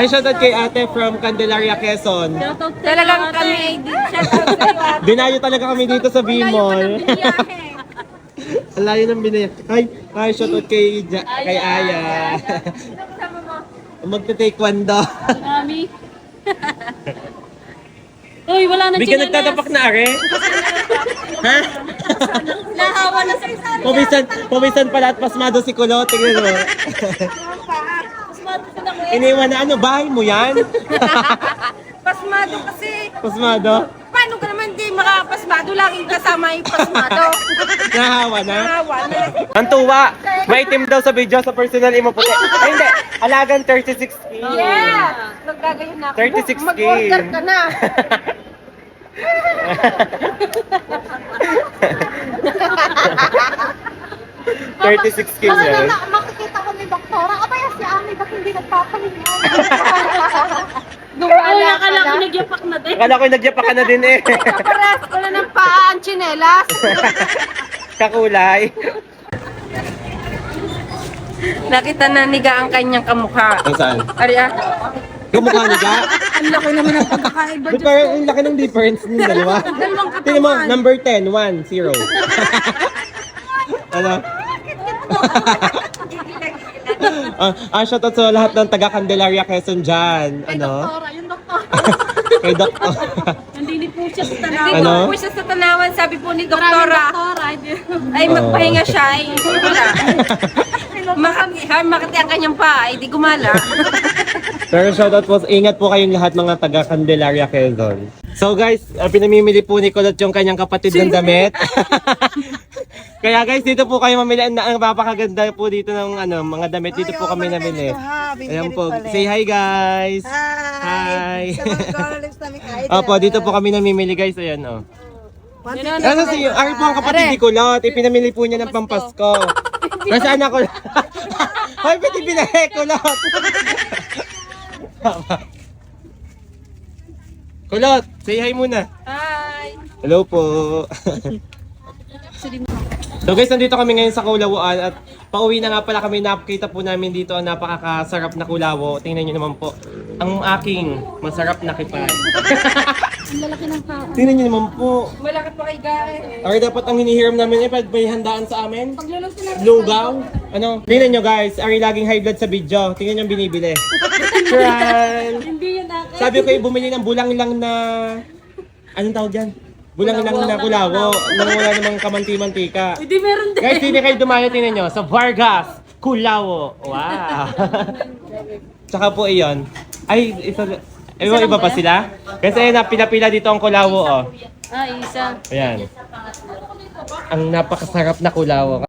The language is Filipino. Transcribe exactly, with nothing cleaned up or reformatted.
Ay, shoutout kay ate from Candelaria, Quezon. Talagang kami, shoutout kayo ate. Dinayo talaga kami dito sa B-Mall. Ang layo ng binaya. Ay, ay, shoutout kay, ja, kay Aya. Magte-taekwondo. Mami. Uy, wala na Bigyan chinelas. nagtatapak na, are? Ha? Nahawa na sa isa. Pumisan, pumisan pala at pasmado si Kulot. Tingnan mo. Iniwan na ano, bahay mo yan? Pasmado kasi. Pasmado? Paano ka naman di makapasmado? Laging kasama yung pasmado. Nahawa na? Nahawa na. Ang tuwa, maitim daw sa video sa personal imo puti. Ay hindi, alagang thirty-six K. Yeah! Nagkagayon na ako. thirty-six K. Mag-order ka na. thirty-six K Baka yan. na, makikita ko ni Doktora. Abaya si Ami, ba't hindi nagpapahinga? Uy, Gumala ka akala ko na. nagyapak na din. Akala ko nagyapa ka na din eh. Kaparas ko na ng paa ang tsinelas. Kakulay. Nakita na niga ang kanyang kamukha. Ang saan? Ari ah. Kamukha niya ka? Ang laki naman ng pagkakaiba. Ba't parang ang laki ng difference ng dalawa? Tingnan mo, number ten, one, zero. Ano? ah, ah, shoutout sa lahat ng taga Candelaria, Quezon dyan. Ano? Doktora, yung doktora. Kay Doktor. Nandini po siya sa Hindi tanaw. Ano? po siya sa tanawan, sabi po ni Maraming Doktora. doktora. Hindi. Ay, magpahinga siya. Ay, wala. Makati, ha, makati ang kanyang pa. Ay, di gumala. Pero shoutout po, ingat po kayong lahat mga taga Candelaria, Quezon. So guys, uh, pinamimili po ni Kulot yung kanyang kapatid ng damit. Kaya guys, dito po kayo mamili. Ang, ang napakaganda po dito ng ano, mga damit. Dito po kami namili. Ayan po. Say hi guys. Hi. Opo, dito po kami namimili guys. Ayan oh. Nasa si Ari po ang kapatid ni Kulot. Ipinamili po niya ng Pampasko. Nasaan ako? Hoy, pati binahe Kulot. Kulot, say hi muna. Hi. Hello po. So guys, nandito kami ngayon sa Kulawuan at pauwi na nga pala kami. Nakita po namin dito ang napakasarap na kulawo. Tingnan nyo naman po ang aking masarap na kipay. Ang lalaki ng tao. Tingnan nyo naman po. Malakit pa kay Gare. Or dapat ang hinihiram namin eh pag may handaan sa amin. Paglulog sila. Lugaw. Ano? Tingnan nyo guys, Ari laging high blood sa video. Tingnan nyo ang binibili. Tran. Hindi yun akin. Sabi ko eh, bumili ng bulang lang na... Anong tawag dyan? Bulang lang na kulawo. Nang wala namang kamanti-mantika. Hindi meron din. Guys, hindi kayo dumayo, tingnan nyo. Sa Vargas, Kulawo. Wow. Tsaka po iyon. Ay, isa... Ewan, iba pa sila? Kasi na pinapila dito ang Kulawo, oh. Ah, isa. Ayan. Ang napakasarap na Kulawo.